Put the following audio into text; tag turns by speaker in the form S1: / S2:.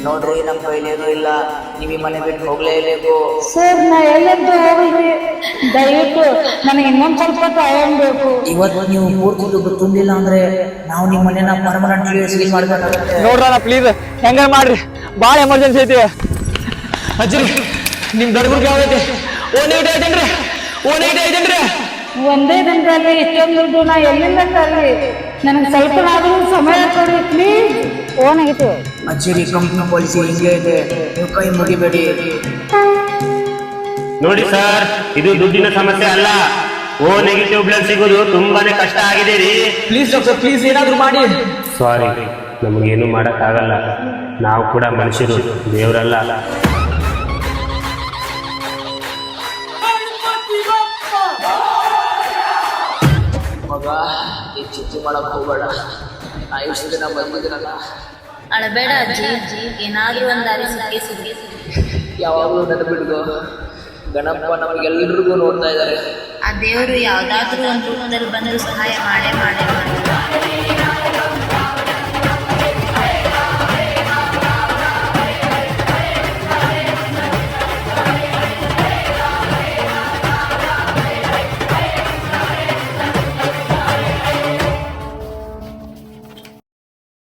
S1: ನೋಡ್ರಿ ನಮ್ಮ ಕೈಲೇನೂ ಇಲ್ಲ, ನೀವು ಈ ಮನೆ ಬಿಟ್ಟು ಹೋಗ್ಲೇಬೇಕು.
S2: ಸರ್ ನಾ ಎಲ್ಲೆದ್ದು ಹೋಗ್ರಿ, ದಯವಿಟ್ಟು ನನಗೆ ಇನ್ನೊಂದು ಸ್ವಲ್ಪ ಟೈಮ್ ಬೇಕು.
S1: ಇವತ್ತು ನೀವು ಪೂರ್ತಿ ದುಡ್ಡು ತುಂಬಿಲ್ಲ ಅಂದ್ರೆ ನಾವು ನಿಮ್ಮ ಮನೆನ ಪರ್ಮನೆಂಟ್ಲಿ ಸೀಲ್ ಮಾಡ್ಬೇಕಾಗುತ್ತೆ.
S3: ನೋಡ್ರಣ ಪ್ಲೀಸ್ ಹೆಂಗಾರ ಮಾಡ್ರಿ, ಭಾಳ ಎಮರ್ಜೆನ್ಸಿ ಐತಿ. ಅಜ್ಜಿ ನಿಮ್ ದರ್ಗುರ್ಗೆ ಯಾವೈತಿ? ಓನೇಟ್ ಐತೇನ್ರಿ? ಓನೇಟ್ ಐತೇನ್ರಿ?
S2: ಒಂದೇ ದಿನದಲ್ಲಿ ಇಷ್ಟೊಂದು ದುಡ್ಡು ನಾ ಎಲ್ಲಿಂದ ತರಲಿ? ನನಗೆ ಸ್ವಲ್ಪ ಆದರೂ ಸಮಯ ಕೊಡಿ ಪ್ಲೀಸ್. ಓನ್ ಆಗೈತಿ
S1: ಅಜ್ಜಿ, ಕಂಪ್ನಿ ಪಾಲಿಸಿ ಹಿಂಗೆ ಇದೆ, ನೀವು ಕೈ ಮುಗಿಬೇಡಿ.
S4: ನೋಡಿ ಸರ್, ಇದು ದುಡ್ಡಿನ ಸಮಸ್ಯೆ ಅಲ್ಲ. ಓ ನೆಗೆಟಿವ್ ಬ್ಲಡ್ ಸಿಗೋದು ತುಂಬಾನೇ ಕಷ್ಟ ಆಗಿದೆ ರೀ.
S3: ಪ್ಲೀಸ್ ಡಾಕ್ಟರ್, ಪ್ಲೀಸ್ ಏನಾದ್ರು ಮಾಡಿ.
S4: ಸಾರಿ, ನಮಗೇನು ಮಾಡಕ್ಕಾಗಲ್ಲ. ನಾವು ಕೂಡ ಮನುಷ್ಯರು, ದೇವರಲ್ಲ.
S1: ಮಗ, ಈ ಚಿಂತೆ ಮಾಡಕ್ ಹೋಗ್ಬೇಡ. ನಾ ಇಷ್ಟು ದಿನ ಬಂದಿದ್ದೀನಲ್ಲ,
S5: ಅಳಬೇಡ ಅಜ್ಜಿ, ಏನಾದ್ರೂ ಒಂದು ದಾರಿ ಸಿಕ್ಕಿ.
S1: ಯಾವಾಗಲೂ ನೆನಪಿಡ್ದು, ಗಣಪ ನಮಗೆಲ್ಲರಿಗೂ ನೋಡ್ತಾ ಇದ್ದಾರೆ.
S5: ಆ ದೇವರು ಯಾವ್ದಾದ್ರೂ ಒಂದು ರೂಪದಲ್ಲಿ ಬಂದರೂ ಸಹಾಯ ಮಾಡೇ ಮಾಡಿ.